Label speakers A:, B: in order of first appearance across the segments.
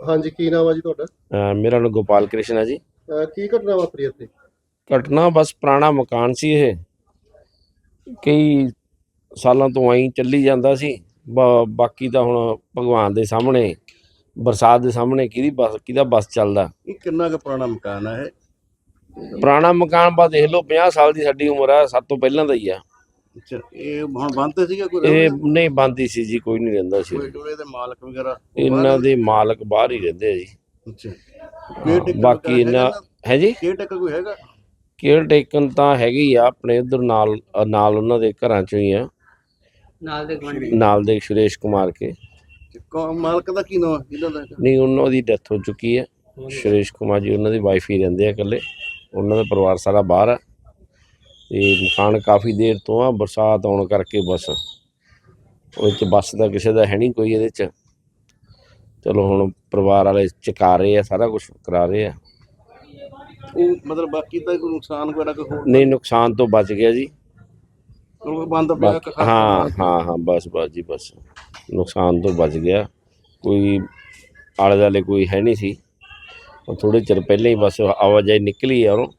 A: हाँ जी, की नाम है जी तुहाडा?
B: ਮੇਰਾ ਨਾਮ ਗੋਪਾਲ ਕ੍ਰਿਸ਼ਨ ਹੈ ਜੀ।
A: की घटना वापरी इत्थे?
B: ਘਟਨਾ ਬਸ ਪੁਰਾਣਾ ਮਕਾਨ ਸੀ ਇਹ, ਕਈ ਸਾਲਾਂ ਤੋਂ ਐਂ ਚੱਲੀ ਜਾਂਦਾ ਸੀ। ਬਾਕੀ ਤਾਂ ਹੁਣ ਭਗਵਾਨ ਦੇ ਸਾਹਮਣੇ, ਬਰਸਾਤ ਦੇ ਸਾਹਮਣੇ ਕਿਹਦਾ ਬਸ ਚੱਲਦਾ।
A: ਇਹ ਕਿੰਨਾ ਕੁ ਪੁਰਾਣਾ ਮਕਾਨ ਹੈ ਇਹ?
B: ਪੁਰਾਣਾ ਮਕਾਨ ਬਾ ਦੇਖ ਲਓ, 50 ਸਾਲ ਦੀ ਸਾਡੀ ਉਮਰ ਆ, ਸਭ ਤੋਂ ਪਹਿਲਾਂ ਦਾ ਹੀ ਆ।
A: ਅੱਛਾ, ਇਹ ਹੁਣ ਬੰਦ ਤੇ ਸੀਗਾ ਕੋਈ?
B: ਇਹ ਨਹੀਂ ਬੰਦੀ ਸੀ ਜੀ, ਕੋਈ ਨਹੀਂ ਰਹਿੰਦਾ ਸੀ।
A: ਟੋਏ ਦੇ ਮਾਲਕ ਵਗੈਰਾ
B: ਇਹਨਾਂ ਦੇ ਮਾਲਕ ਬਾਹਰ ਹੀ ਰਹਿੰਦੇ ਆ ਜੀ।
A: ਅੱਛਾ,
B: ਬਾਕੀ ਇਹਨਾਂ ਹੈ ਜੀ,
A: ਕੇਅਰ ਟੇਕਰ ਕੋਈ ਹੈਗਾ?
B: ਕੇਅਰ ਟੇਕਨ ਤਾਂ ਹੈਗੀ ਆ ਆਪਣੇ ਉਧਰ ਨਾਲ ਉਹਨਾਂ ਦੇ ਘਰਾਂ ਚੋਂ ਹੀ ਆ, ਨਾਲ ਦੇ ਸੁਰੇਸ਼ ਕੁਮਾਰ ਕੇ।
A: ਮਾਲਕ ਦਾ ਕੀ ਨਾਮ ਇਹਨਾਂ ਦਾ?
B: ਨਹੀਂ, ਉਹਨਾਂ ਦੀ ਡੈਥ ਹੋ ਚੁੱਕੀ ਹੈ। ਸੁਰੇਸ਼ ਕੁਮਾਰ ਜੀ ਉਹਨਾਂ ਦੀ ਵਾਈਫ ਹੀ ਰਹਿੰਦੇ ਆ ਇਕੱਲੇ, ਉਹਨਾਂ ਦਾ ਪਰਿਵਾਰ ਸਾਰਾ ਬਾਹਰ ਆ। ਤੇ ਮਕਾਨ ਕਾਫੀ ਦੇਰ ਤੋਂ ਆ, ਬਰਸਾਤ ਆਉਣ ਕਰਕੇ ਬਸ ਉਹ 'ਚ ਬੱਸ ਦਾ ਕਿਸੇ ਦਾ ਹੈ ਨਹੀਂ ਕੋਈ ਇਹਦੇ 'ਚ। ਚਲੋ ਹੁਣ ਪਰਿਵਾਰ ਵਾਲੇ ਚੁਕਾ ਰਹੇ ਆ, ਸਾਰਾ ਕੁਝ ਕਰਾ ਰਹੇ ਆ।
A: ਉਹ ਮਤਲਬ ਬਾਕੀ ਤਾਂ ਕੋਈ ਨੁਕਸਾਨ ਵਗੈਰਾ ਕੋਈ ਹੋਰ
B: ਨਹੀਂ, ਨੁਕਸਾਨ ਤੋਂ ਬਚ ਗਿਆ ਜੀ।
A: ਬੰਦ ਪਿਆ?
B: ਹਾਂ ਬਸ ਜੀ, ਬਸ ਨੁਕਸਾਨ ਤੋਂ ਬਚ ਗਿਆ। ਕੋਈ ਆਲੇ ਦੁਆਲੇ ਕੋਈ ਹੈ ਨਹੀਂ ਸੀ, ਉਹ ਥੋੜ੍ਹੇ ਚਿਰ ਪਹਿਲਾਂ ਹੀ ਬਸ ਆਵਾਜਾਈ ਨਿਕਲੀ ਆ ਉਹ।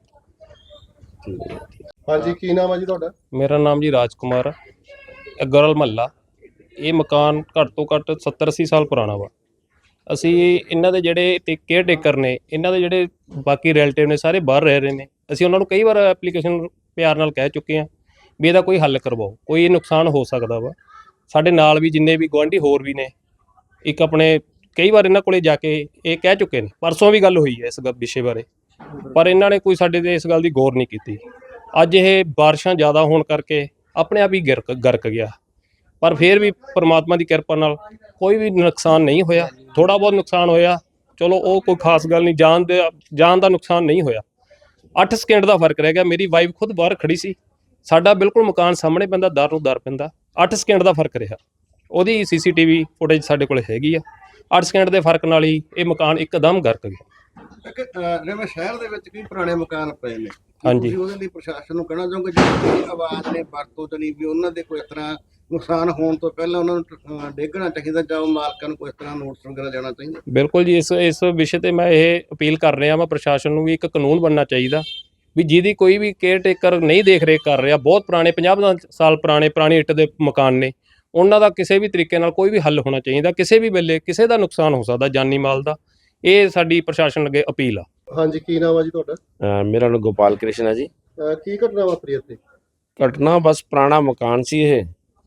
A: हाँ जी, की नाम है जी तुहाडा?
C: मेरा नाम जी राजकुमार है। गरल महल्ला, ये मकान घੱਟ ਤੋਂ ਘੱਟ 70-80 ਸਾਲ ਪੁਰਾਣਾ ਵਾ। ਅਸੀਂ ਇਹਨਾਂ ਦੇ ਜਿਹੜੇ ਕੇਅਰ ਟੇਕਰ ਨੇ, ਇਹਨਾਂ ਦੇ ਜਿਹੜੇ ਬਾਕੀ ਰਿਲੇਟਿਵ ਨੇ, ਸਾਰੇ ਬਾਹਰ ਰਹਿ ਰਹੇ ਨੇ। ਅਸੀਂ ਉਹਨਾਂ ਨੂੰ ਕਈ ਵਾਰ ਐਪਲੀਕੇਸ਼ਨ ਪਿਆਰ ਨਾਲ ਕਹਿ ਚੁੱਕੇ ਹਾਂ ਵੀ ਇਹਦਾ ਕੋਈ ਹੱਲ ਕਰਵਾਓ, ਕੋਈ ਨੁਕਸਾਨ ਹੋ ਸਕਦਾ ਵਾ। ਸਾਡੇ ਨਾਲ ਵੀ ਜਿੰਨੇ ਵੀ ਗੁਆਂਢੀ ਹੋਰ ਵੀ ਨੇ, ਇੱਕ ਆਪਣੇ ਕਈ ਵਾਰ ਇਹਨਾਂ ਕੋਲੇ ਜਾ ਕੇ ਇਹ ਕਹਿ ਚੁੱਕੇ ਨੇ। ਪਰਸੋਂ ਵੀ ਗੱਲ ਹੋਈ ਹੈ ਇਸ ਵਿਸ਼ੇ ਬਾਰੇ, ਪਰ ਇਹਨਾਂ ਨੇ ਕੋਈ ਸਾਡੇ 'ਤੇ ਇਸ ਗੱਲ ਦੀ ਗੌਰ ਨਹੀਂ ਕੀਤੀ। ਅੱਜ ਇਹ ਬਾਰਿਸ਼ਾਂ ਜ਼ਿਆਦਾ ਹੋਣ ਕਰਕੇ ਆਪਣੇ ਆਪ ਹੀ ਗਰਕ ਗਿਆ, ਪਰ ਫਿਰ ਵੀ ਪਰਮਾਤਮਾ ਦੀ ਕਿਰਪਾ ਨਾਲ ਕੋਈ ਵੀ ਨੁਕਸਾਨ ਨਹੀਂ ਹੋਇਆ। ਥੋੜ੍ਹਾ ਬਹੁਤ ਨੁਕਸਾਨ ਹੋਇਆ, ਚਲੋ ਉਹ ਕੋਈ ਖਾਸ ਗੱਲ ਨਹੀਂ, ਜਾਨ ਦਾ ਨੁਕਸਾਨ ਨਹੀਂ ਹੋਇਆ। 8 ਸਕਿੰਟ ਦਾ ਫਰਕ ਰਹਿ ਗਿਆ। ਮੇਰੀ ਵਾਈਫ ਖੁਦ ਬਾਹਰ ਖੜੀ ਸੀ, ਸਾਡਾ ਬਿਲਕੁਲ ਮਕਾਨ ਸਾਹਮਣੇ ਪੈਂਦਾ, ਦਰ ਨੂੰ ਦਰ ਪੈਂਦਾ। 8 ਸਕਿੰਟ ਦਾ ਫਰਕ ਰਿਹਾ। ਉਹਦੀ CCTV ਫੁਟੇਜ ਸਾਡੇ ਕੋਲ ਹੈਗੀ ਆ। 8 ਸਕਿੰਟ ਦੇ ਫਰਕ ਨਾਲ ਹੀ ਇਹ ਮਕਾਨ ਇੱਕਦਮ ਗਰਕ ਗਿਆ।
A: ਜਿਵੇਂ ਸ਼ਹਿਰ ਦੇ ਵਿੱਚ ਕਈ ਪੁਰਾਣੇ ਮਕਾਨ ਪਏ ਨੇ,
C: ਹਾਂਜੀ,
A: ਤੁਸੀਂ ਉਹਦੇ ਲਈ ਪ੍ਰਸ਼ਾਸਨ ਨੂੰ ਕਹਿਣਾ ਚਾਹੋਗੇ ਜਿਹੜੀ ਆਵਾਜ਼ ਨੇ ਵਰਤੋਂ ਤੇ ਨਹੀਂ ਵੀ ਉਹਨਾਂ ਦੇ ਕੋਈ ਇਸ ਤਰ੍ਹਾਂ ਨੁਕਸਾਨ ਹੋਣ ਤੋਂ ਪਹਿਲਾਂ ਉਹਨਾਂ ਨੂੰ ਡੇਗਣਾ ਚਾਹੀਦਾ, ਜਾਂ ਮਾਲਕਾਂ ਨੂੰ ਕੋਈ ਇਸ ਤਰ੍ਹਾਂ ਨੋਟਿਸ ਵਗੈਰਾ ਜਾਣਾ ਚਾਹੀਦਾ?
C: ਬਿਲਕੁਲ ਜੀ, ਇਸ ਵਿਸ਼ੇ ਤੇ ਮੈਂ ਇਹ ਅਪੀਲ ਕਰ ਰਿਹਾ ਵਾਂ, ਪ੍ਰਸ਼ਾਸਨ ਨੂੰ ਵੀ ਇੱਕ ਕਾਨੂੰਨ ਬਣਨਾ ਚਾਹੀਦਾ ਵੀ ਜਿਹਦੀ ਕੋਈ ਵੀ ਕੇਅਰ ਟੇਕਰ ਨਹੀਂ ਦੇਖ ਰੇਖ ਕਰ ਰਿਹਾ, ਬਹੁਤ ਪੁਰਾਣੇ 50 ਸਾਲ ਪੁਰਾਣੀ ਇੱਟ ਦੇ ਮਕਾਨ ਨੇ, ਉਹਨਾਂ ਦਾ ਕਿਸੇ ਵੀ ਤਰੀਕੇ ਨਾਲ ਕੋਈ ਵੀ ਹੱਲ ਹੋਣਾ ਚਾਹੀਦਾ। ਕਿਸੇ ਵੀ ਵੇਲੇ ਕਿਸੇ ਦਾ ਨੁਕਸਾਨ ਹੋ ਸਕਦਾ, ਜਾਨੀ ਮਾਲ ਦਾ। ਇਹ ਸਾਡੀ ਪ੍ਰਸ਼ਾਸਨ ਅੱਗੇ ਅਪੀਲ ਆ।
A: हाँ जी, की नाम है जी तुहाडा?
B: ਮੇਰਾ ਨਾਮ ਗੋਪਾਲ ਕ੍ਰਿਸ਼ਨ ਹੈ ਜੀ।
A: की घटना वापरी इत्थे?
B: ਘਟਨਾ ਬਸ ਪੁਰਾਣਾ ਮਕਾਨ ਸੀ ਇਹ,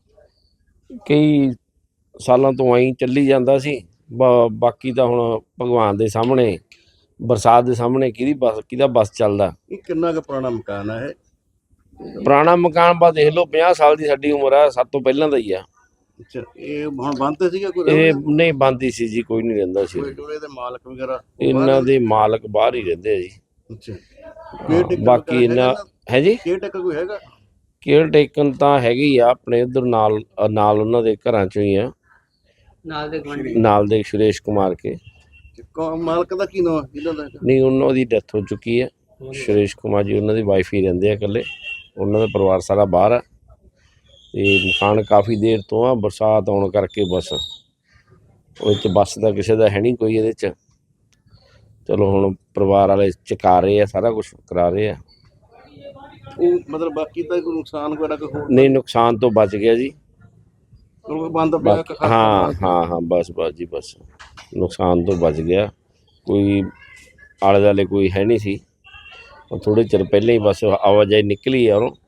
B: ਕਈ ਸਾਲਾਂ ਤੋਂ ਐਂ ਚੱਲੀ ਜਾਂਦਾ ਸੀ। ਬਾਕੀ ਤਾਂ ਹੁਣ ਭਗਵਾਨ ਦੇ ਸਾਹਮਣੇ, ਬਰਸਾਤ ਦੇ ਸਾਹਮਣੇ ਕਿਹਦਾ ਬਸ ਚੱਲਦਾ।
A: ਇਹ ਕਿੰਨਾ ਕੁ ਪੁਰਾਣਾ ਮਕਾਨ ਹੈ ਇਹ?
B: ਪੁਰਾਣਾ ਮਕਾਨ ਬਾ ਦੇਖ ਲਓ, 50 ਸਾਲ ਦੀ ਸਾਡੀ ਉਮਰ ਆ, ਸਭ ਤੋਂ ਪਹਿਲਾਂ ਦਾ ਹੀ ਆ।
A: ਅੱਛਾ, ਇਹ ਹੁਣ ਬੰਦ ਤੇ ਸੀਗਾ ਕੋਈ?
B: ਇਹ ਨਹੀਂ ਬੰਦੀ ਸੀ ਜੀ, ਕੋਈ ਨਹੀਂ ਰਹਿੰਦਾ ਸੀ।
A: ਟੋਏ ਦੇ ਮਾਲਕ ਵਗੈਰਾ
B: ਇਹਨਾਂ ਦੇ ਮਾਲਕ ਬਾਹਰ ਹੀ ਰਹਿੰਦੇ ਆ ਜੀ।
A: ਅੱਛਾ,
B: ਬਾਕੀ ਇਹਨਾਂ ਹੈ ਜੀ,
A: ਕੇਅਰ ਟੇਕਰ ਕੋਈ ਹੈਗਾ?
B: ਕੇਅਰ ਟੇਕਨ ਤਾਂ ਹੈਗੀ ਆ ਆਪਣੇ ਉਧਰ ਨਾਲ ਉਹਨਾਂ ਦੇ ਘਰਾਂ ਚੋਂ ਹੀ ਆ, ਨਾਲ ਦੇ ਸੁਰੇਸ਼ ਕੁਮਾਰ ਕੇ।
A: ਮਾਲਕ ਦਾ ਕੀ ਨਾਮ ਇਹਨਾਂ ਦਾ?
B: ਨਹੀਂ, ਉਹਨਾਂ ਦੀ ਡੈਥ ਹੋ ਚੁੱਕੀ ਹੈ। ਸੁਰੇਸ਼ ਕੁਮਾਰ ਜੀ ਉਹਨਾਂ ਦੀ ਵਾਈਫ ਹੀ ਰਹਿੰਦੇ ਆ ਇਕੱਲੇ, ਉਹਨਾਂ ਦਾ ਪਰਿਵਾਰ ਸਾਰਾ ਬਾਹਰ ਆ। ਤੇ ਮਕਾਨ ਕਾਫੀ ਦੇਰ ਤੋਂ ਆ, ਬਰਸਾਤ ਆਉਣ ਕਰਕੇ ਬਸ ਉਹ 'ਚ ਬੱਸ ਦਾ ਕਿਸੇ ਦਾ ਹੈ ਨਹੀਂ ਕੋਈ ਇਹਦੇ 'ਚ। ਚਲੋ ਹੁਣ ਪਰਿਵਾਰ ਵਾਲੇ ਚੁਕਾ ਰਹੇ ਆ, ਸਾਰਾ ਕੁਝ ਕਰਾ ਰਹੇ ਆ।
A: ਉਹ ਮਤਲਬ ਬਾਕੀ ਤਾਂ ਕੋਈ ਨੁਕਸਾਨ ਵਗੈਰਾ ਕੋਈ ਹੋਰ
B: ਨਹੀਂ, ਨੁਕਸਾਨ ਤੋਂ ਬਚ ਗਿਆ ਜੀ।
A: ਬੰਦ ਪਿਆ?
B: ਹਾਂ ਬਸ ਜੀ, ਬਸ ਨੁਕਸਾਨ ਤੋਂ ਬਚ ਗਿਆ। ਕੋਈ ਆਲੇ ਦੁਆਲੇ ਕੋਈ ਹੈ ਨਹੀਂ ਸੀ, ਉਹ ਥੋੜ੍ਹੇ ਚਿਰ ਪਹਿਲਾਂ ਹੀ ਬਸ ਆਵਾਜਾਈ ਨਿਕਲੀ ਆ ਉਹ।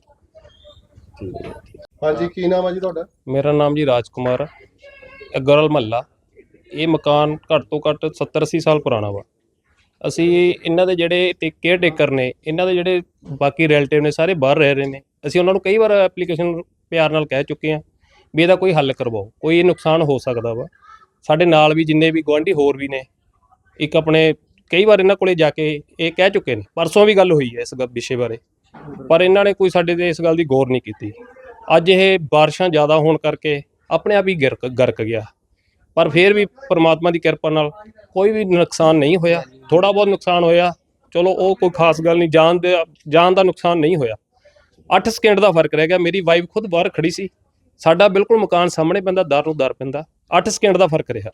A: हाँ जी, की नाम है जी तुहाडा?
C: ਮੇਰਾ ਨਾਮ ਜੀ ਰਾਜਕੁਮਾਰ ਹੈ। ਗਰਲ ਮਹੱਲਾ, ਇਹ ਮਕਾਨ ਘੱਟ ਤੋਂ ਘੱਟ 70-80 ਸਾਲ ਪੁਰਾਣਾ ਵਾ। ਅਸੀਂ ਇਹਨਾਂ ਦੇ ਜਿਹੜੇ ਕੇਅਰ ਟੇਕਰ ਨੇ, ਇਹਨਾਂ ਦੇ ਜਿਹੜੇ ਬਾਕੀ ਰਿਲੇਟਿਵ ਨੇ, ਸਾਰੇ ਬਾਹਰ ਰਹਿ ਰਹੇ ਨੇ। ਅਸੀਂ ਉਹਨਾਂ ਨੂੰ ਕਈ ਵਾਰ ਐਪਲੀਕੇਸ਼ਨ ਪਿਆਰ ਨਾਲ ਕਹਿ ਚੁੱਕੇ ਹਾਂ ਵੀ ਇਹਦਾ ਕੋਈ ਹੱਲ ਕਰਵਾਓ, ਕੋਈ ਨੁਕਸਾਨ ਹੋ ਸਕਦਾ ਵਾ। ਸਾਡੇ ਨਾਲ ਵੀ ਜਿੰਨੇ ਵੀ ਗੁਆਂਢੀ ਹੋਰ ਵੀ ਨੇ, ਇੱਕ ਆਪਣੇ ਕਈ ਵਾਰ ਇਹਨਾਂ ਕੋਲੇ ਜਾ ਕੇ ਇਹ ਕਹਿ ਚੁੱਕੇ ਨੇ। ਪਰਸੋਂ ਵੀ ਗੱਲ ਹੋਈ ਹੈ ਇਸ ਵਿਸ਼ੇ ਬਾਰੇ, ਪਰ ਇਹਨਾਂ ਨੇ ਕੋਈ ਸਾਡੇ 'ਤੇ ਇਸ ਗੱਲ ਦੀ ਗੌਰ ਨਹੀਂ ਕੀਤੀ। ਅੱਜ ਇਹ ਬਾਰਿਸ਼ਾਂ ਜ਼ਿਆਦਾ ਹੋਣ ਕਰਕੇ ਆਪਣੇ ਆਪ ਹੀ ਗਰਕ ਗਿਆ, ਪਰ ਫਿਰ ਵੀ ਪਰਮਾਤਮਾ ਦੀ ਕਿਰਪਾ ਨਾਲ ਕੋਈ ਵੀ ਨੁਕਸਾਨ ਨਹੀਂ ਹੋਇਆ। ਥੋੜ੍ਹਾ ਬਹੁਤ ਨੁਕਸਾਨ ਹੋਇਆ, ਚਲੋ ਉਹ ਕੋਈ ਖਾਸ ਗੱਲ ਨਹੀਂ, ਜਾਨ ਦਾ ਨੁਕਸਾਨ ਨਹੀਂ ਹੋਇਆ। 8 ਸਕਿੰਟ ਦਾ ਫਰਕ ਰਹਿ ਗਿਆ। ਮੇਰੀ ਵਾਈਫ ਖੁਦ ਬਾਹਰ ਖੜੀ ਸੀ, ਸਾਡਾ ਬਿਲਕੁਲ ਮਕਾਨ ਸਾਹਮਣੇ ਪੈਂਦਾ, ਦਰ ਨੂੰ ਦਰ ਪੈਂਦਾ। 8 ਸਕਿੰਟ ਦਾ ਫਰਕ ਰਿਹਾ।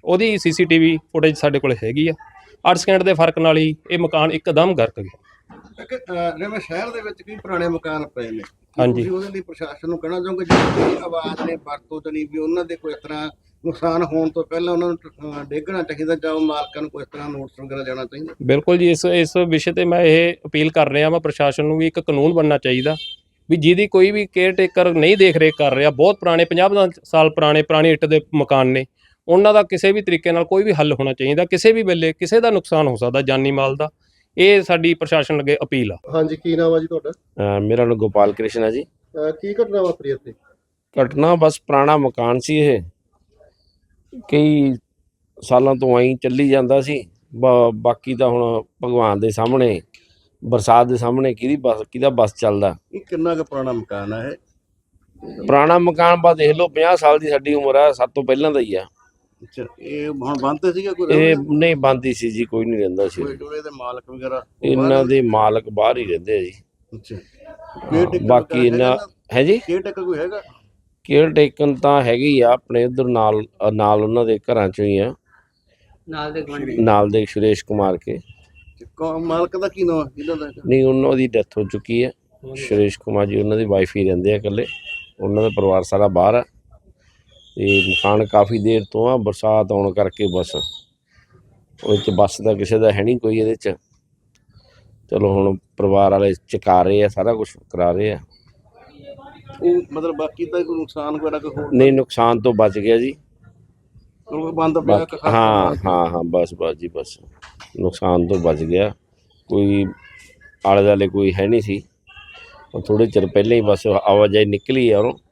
C: ਉਹਦੀ ਸੀਸੀਟੀਵੀ ਫੁਟੇਜ ਸਾਡੇ ਕੋਲ ਹੈਗੀ ਆ। 8 ਸਕਿੰਟ ਦੇ ਫਰਕ ਨਾਲ ਹੀ ਇਹ ਮਕਾਨ ਇੱਕਦਮ ਗਰਕ ਗਿਆ।
A: ਜਿਵੇਂ ਸ਼ਹਿਰ ਦੇ ਵਿੱਚ ਕਈ ਪੁਰਾਣੇ ਮਕਾਨ ਪਏ ਨੇ,
C: ਹਾਂਜੀ।
A: ਤੁਸੀਂ ਉਹਦੇ ਲਈ ਪ੍ਰਸ਼ਾਸਨ ਨੂੰ ਕਹਿਣਾ ਚਾਹੋਗੇ ਜਿਹੜੀ ਆਵਾਜ਼ ਨੇ ਵਰਤੋਂ ਤੇ ਨਹੀਂ ਵੀ ਉਹਨਾਂ ਦੇ ਕੋਈ ਇਸ ਤਰ੍ਹਾਂ ਨੁਕਸਾਨ ਹੋਣ ਤੋਂ ਪਹਿਲਾਂ ਉਹਨਾਂ ਨੂੰ ਡੇਗਣਾ ਚਾਹੀਦਾ ਜਾਂ ਉਹ ਮਾਲਕਾਂ ਨੂੰ ਕੋਈ ਇਸ ਤਰ੍ਹਾਂ ਨੋਟਿਸ ਵਗੈਰਾ ਜਾਣਾ ਚਾਹੀਦਾ?
C: ਬਿਲਕੁਲ ਜੀ, ਇਸ ਵਿਸ਼ੇ ਤੇ ਮੈਂ ਇਹ ਅਪੀਲ ਕਰ ਰਿਹਾ ਮੈਂ ਪ੍ਰਸ਼ਾਸਨ ਨੂੰ ਵੀ ਇੱਕ ਕਾਨੂੰਨ ਬਣਨਾ ਚਾਹੀਦਾ ਵੀ ਜਿਹਦੀ ਕੋਈ ਵੀ ਕੇਅਰ ਟੇਕਰ ਨਹੀਂ ਦੇਖ ਰੇਖ ਕਰ ਰਿਹਾ, ਬਹੁਤ ਪੁਰਾਣੇ 50 ਸਾਲ ਪੁਰਾਣੇ ਇੱਟ ਦੇ ਮਕਾਨ ਨੇ, ਉਹਨਾਂ ਦਾ ਕਿਸੇ ਵੀ ਤਰੀਕੇ ਨਾਲ ਕੋਈ ਵੀ ਹੱਲ ਹੋਣਾ ਚਾਹੀਦਾ। ਕਿਸੇ ਵੀ ਵੇਲੇ ਕਿਸੇ ਦਾ ਨੁਕਸਾਨ ਹੋ ਸਕਦਾ ਜਾਨੀ ਮਾਲ ਦਾ। ਇਹ ਸਾਡੀ ਪ੍ਰਸ਼ਾਸਨ ਅੱਗੇ ਅਪੀਲ ਆ।
D: ਹਾਂਜੀ, ਕੀ ਨਾਮ ਆ ਜੀ ਤੁਹਾਡਾ?
B: ਮੇਰਾ ਨਾਮ ਗੋਪਾਲ ਕ੍ਰਿਸ਼ਨ ਹੈ ਜੀ।
D: ਕੀ ਘਟਨਾ ਵਾਪਰੀ ਇੱਥੇ?
B: ਘਟਨਾ ਬਸ ਪੁਰਾਣਾ ਮਕਾਨ ਸੀ, ਇਹ ਕਈ ਸਾਲਾਂ ਤੋਂ ਐਂ ਚੱਲੀ ਜਾਂਦਾ ਸੀ। ਬਾਕੀ ਤਾਂ ਹੁਣ ਭਗਵਾਨ ਦੇ ਸਾਹਮਣੇ, ਬਰਸਾਤ ਦੇ ਸਾਹਮਣੇ ਕਿਹਦਾ ਬਸ ਚੱਲਦਾ।
A: ਇਹ ਕਿੰਨਾ ਕੁ ਪੁਰਾਣਾ ਮਕਾਨ ਹੈ? ਇਹ
B: ਪੁਰਾਣਾ ਮਕਾਨ ਬਸ ਦੇਖ ਲਓ, 50 ਸਾਲ ਦੀ ਸਾਡੀ ਉਮਰ ਆ, ਸਭ ਤੋਂ ਪਹਿਲਾਂ ਦਾ ਹੀ ਆ।
A: ਅੱਛਾ, ਇਹ ਹੁਣ ਬੰਦ ਸੀਗਾ ਕੋਈ?
B: ਇਹ ਨਹੀਂ ਬੰਦੀ ਸੀ ਜੀ, ਕੋਈ ਨਹੀਂ ਰਹਿੰਦਾ ਸੀ।
A: ਕੋਈ ਟੋਲੇ ਦੇ ਮਾਲਕ ਵਗੈਰਾ?
B: ਇਹਨਾਂ ਦੇ ਮਾਲਕ ਬਾਹਰ ਹੀ ਰਹਿੰਦੇ ਆ ਜੀ।
A: ਅੱਛਾ,
B: ਬਾਕੀ ਇਹਨਾਂ ਹੈ ਜੀ
A: ਕੇਅਰ ਟੇਕਰ ਕੋਈ ਹੈਗਾ?
B: ਕੇਅਰ ਟੇਕਨ ਤਾਂ ਹੈਗੀ ਆ ਆਪਣੇ ਉਧਰ ਨਾਲ ਉਹਨਾਂ ਦੇ ਘਰਾਂ ਚੋਂ ਹੀ ਆ, ਨਾਲ ਦੇ ਸੁਰੇਸ਼ ਕੁਮਾਰ ਕੇ।
A: ਮਾਲਕ ਦਾ ਕੀ ਨਾਮ ਇਹਨਾਂ ਦਾ?
B: ਨਹੀਂ, ਉਹਨਾਂ ਦੀ ਡੈਥ ਹੋ ਚੁੱਕੀ ਹੈ। ਸੁਰੇਸ਼ ਕੁਮਾਰ ਜੀ ਉਹਨਾਂ ਦੀ ਵਾਈਫ ਹੀ ਰਹਿੰਦੇ ਆ ਇਕੱਲੇ, ਉਹਨਾਂ ਦਾ ਪਰਿਵਾਰ ਸਾਰਾ ਬਾਹਰ ਆ। ਤੇ ਮਕਾਨ ਕਾਫੀ ਦੇਰ ਤੋਂ ਆ, ਬਰਸਾਤ ਆਉਣ ਕਰਕੇ ਬਸ ਉਹ 'ਚ ਬੱਸ ਦਾ ਕਿਸੇ ਦਾ ਹੈ ਨਹੀਂ ਕੋਈ ਇਹਦੇ 'ਚ। ਚਲੋ ਹੁਣ ਪਰਿਵਾਰ ਵਾਲੇ ਚੁਕਾ ਰਹੇ ਆ, ਸਾਰਾ ਕੁਝ ਕਰਾ ਰਹੇ ਆ।
A: ਉਹ ਮਤਲਬ ਬਾਕੀ ਤਾਂ ਕੋਈ ਨੁਕਸਾਨ ਵਗੈਰਾ ਕੋਈ ਹੋਰ
B: ਨਹੀਂ, ਨੁਕਸਾਨ ਤੋਂ ਬਚ ਗਿਆ ਜੀ।
A: ਉਹ ਬੰਦ ਪਿਆ?
B: ਹਾਂ ਬਸ ਜੀ, ਬਸ ਨੁਕਸਾਨ ਤੋਂ ਬਚ ਗਿਆ। ਕੋਈ ਆਲੇ ਦੁਆਲੇ ਕੋਈ ਹੈ ਨਹੀਂ ਸੀ, ਉਹ ਥੋੜੇ ਚਿਰ ਪਹਿਲਾਂ ਹੀ ਬਸ ਆਵਾਜਾਈ ਨਿਕਲੀ ਆ ਉਹ।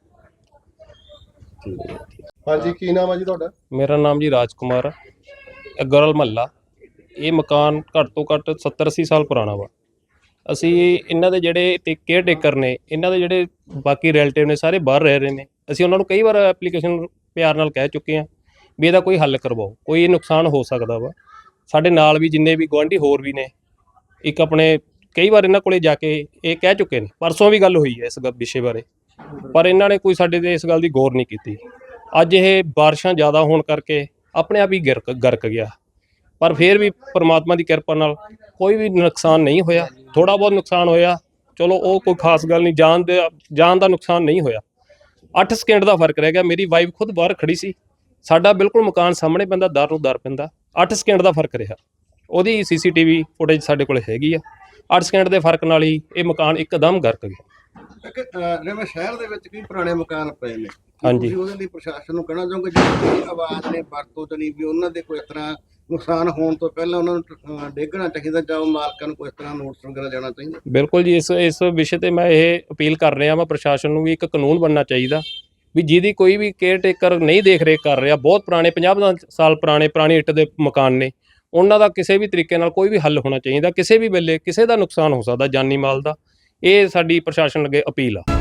D: ਹਾਂਜੀ, ਕੀ ਨਾਮ ਆ ਜੀ ਤੁਹਾਡਾ?
C: ਮੇਰਾ ਨਾਮ ਜੀ ਰਾਜ ਕੁਮਾਰ ਆ। ਇਹ ਗਰਲ ਮਹੱਲਾ, ਇਹ ਮਕਾਨ ਘੱਟ ਤੋਂ ਘੱਟ 70-80 ਸਾਲ ਪੁਰਾਣਾ ਵਾ। ਅਸੀਂ ਇਹਨਾਂ ਦੇ ਜਿਹੜੇ ਕੇਅਰ ਟੇਕਰ ਨੇ, ਇਹਨਾਂ ਦੇ ਜਿਹੜੇ ਬਾਕੀ ਰਿਲੇਟਿਵ ਨੇ, ਸਾਰੇ ਬਾਹਰ ਰਹਿ ਰਹੇ ਨੇ। ਅਸੀਂ ਉਹਨਾਂ ਨੂੰ ਕਈ ਵਾਰ ਐਪਲੀਕੇਸ਼ਨ ਪਿਆਰ ਨਾਲ ਕਹਿ ਚੁੱਕੇ ਹਾਂ ਵੀ ਇਹਦਾ ਕੋਈ ਹੱਲ ਕਰਵਾਓ, ਕੋਈ ਨੁਕਸਾਨ ਹੋ ਸਕਦਾ ਵਾ। ਸਾਡੇ ਨਾਲ ਵੀ ਜਿੰਨੇ ਵੀ ਗੁਆਂਢੀ ਹੋਰ ਵੀ ਨੇ, ਇੱਕ ਆਪਣੇ ਕਈ ਵਾਰ ਇਹਨਾਂ ਕੋਲੇ ਜਾ ਕੇ ਇਹ ਕਹਿ ਚੁੱਕੇ ਨੇ। ਪਰਸੋਂ ਵੀ ਗੱਲ ਹੋਈ ਹੈ ਇਸ ਵਿਸ਼ੇ ਬਾਰੇ, ਪਰ ਇਹਨਾਂ ਨੇ ਕੋਈ ਸਾਡੇ ਤੇ ਇਸ ਗੱਲ ਦੀ ਗੌਰ ਨਹੀਂ ਕੀਤੀ। ਅੱਜ ਇਹ ਬਾਰਿਸ਼ਾਂ ਜ਼ਿਆਦਾ ਹੋਣ ਕਰਕੇ ਆਪਣੇ ਆਪ ਹੀ ਗਰਕ ਗਿਆ, ਪਰ ਫਿਰ ਵੀ ਪਰਮਾਤਮਾ ਦੀ ਕਿਰਪਾ ਨਾਲ ਕੋਈ ਵੀ ਨੁਕਸਾਨ ਨਹੀਂ ਹੋਇਆ। ਥੋੜਾ ਬਹੁਤ ਨੁਕਸਾਨ ਹੋਇਆ, ਚਲੋ ਉਹ ਕੋਈ ਖਾਸ ਗੱਲ ਨਹੀਂ, ਜਾਨ ਦਾ ਨੁਕਸਾਨ ਨਹੀਂ ਹੋਇਆ। 8 ਸਕਿੰਟ ਦਾ ਫਰਕ ਰਹਿ ਗਿਆ। ਮੇਰੀ ਵਾਈਫ ਖੁਦ ਬਾਹਰ ਖੜੀ ਸੀ, ਸਾਡਾ ਬਿਲਕੁਲ ਮਕਾਨ ਸਾਹਮਣੇ ਪੈਂਦਾ, ਦਰ ਨੂੰ ਦਰ ਪੈਂਦਾ। 8 ਸਕਿੰਟ ਦਾ ਫਰਕ ਰਿਹਾ। ਉਹਦੀ ਸੀਸੀਟੀਵੀ ਫੁਟੇਜ ਸਾਡੇ ਕੋਲ ਹੈਗੀ ਆ। 8 ਸਕਿੰਟ ਦੇ ਫਰਕ ਨਾਲ ਹੀ ਇਹ ਮਕਾਨ ਇੱਕਦਮ ਗਰਕ ਗਿਆ।
A: ਜਿਵੇਂ ਸ਼ਹਿਰ ਦੇ ਵਿੱਚ ਕਈ ਪੁਰਾਣੇ ਮਕਾਨ ਪਏ ਨੇ,
C: ਹਾਂਜੀ।
A: ਤੁਸੀਂ ਉਹਦੇ ਲਈ ਪ੍ਰਸ਼ਾਸਨ ਨੂੰ ਕਹਿਣਾ ਚਾਹੋਗੇ ਜਿਹੜੀ ਆਵਾਜ਼ ਨੇ ਵਰਤੋਂ ਤੇ ਨਹੀਂ ਵੀ ਉਹਨਾਂ ਦੇ ਕੋਈ ਇਸ ਤਰ੍ਹਾਂ ਨੁਕਸਾਨ ਹੋਣ ਤੋਂ ਪਹਿਲਾਂ ਉਹਨਾਂ ਨੂੰ ਡੇਗਣਾ ਚਾਹੀਦਾ ਜਾਂ ਉਹ ਮਾਲਕਾਂ ਨੂੰ ਕੋਈ ਇਸ ਤਰ੍ਹਾਂ ਨੋਟਿਸ ਵਗੈਰਾ ਜਾਣਾ ਚਾਹੀਦਾ?
C: ਬਿਲਕੁਲ ਜੀ, ਇਸ ਵਿਸ਼ੇ ਤੇ ਮੈਂ ਇਹ ਅਪੀਲ ਕਰ ਰਿਹਾ ਮੈਂ ਪ੍ਰਸ਼ਾਸਨ ਨੂੰ ਵੀ ਇੱਕ ਕਾਨੂੰਨ ਬਣਨਾ ਚਾਹੀਦਾ ਵੀ ਜਿਹਦੀ ਕੋਈ ਵੀ ਕੇਅਰ ਟੇਕਰ ਨਹੀਂ ਦੇਖ ਰੇਖ ਕਰ ਰਿਹਾ, ਬਹੁਤ ਪੁਰਾਣੇ 50 ਸਾਲ ਪੁਰਾਣੇ ਇੱਟ ਦੇ ਮਕਾਨ ਨੇ, ਉਹਨਾਂ ਦਾ ਕਿਸੇ ਵੀ ਤਰੀਕੇ ਨਾਲ ਕੋਈ ਵੀ ਹੱਲ ਹੋਣਾ ਚਾਹੀਦਾ। ਕਿਸੇ ਵੀ ਵੇਲੇ ਕਿਸੇ ਦਾ ਨੁਕਸਾਨ ਹੋ ਸਕਦਾ ਜਾਨੀ ਮਾਲ ਦਾ। ਇਹ ਸਾਡੀ ਪ੍ਰਸ਼ਾਸਨ ਅੱਗੇ ਅਪੀਲ ਆ।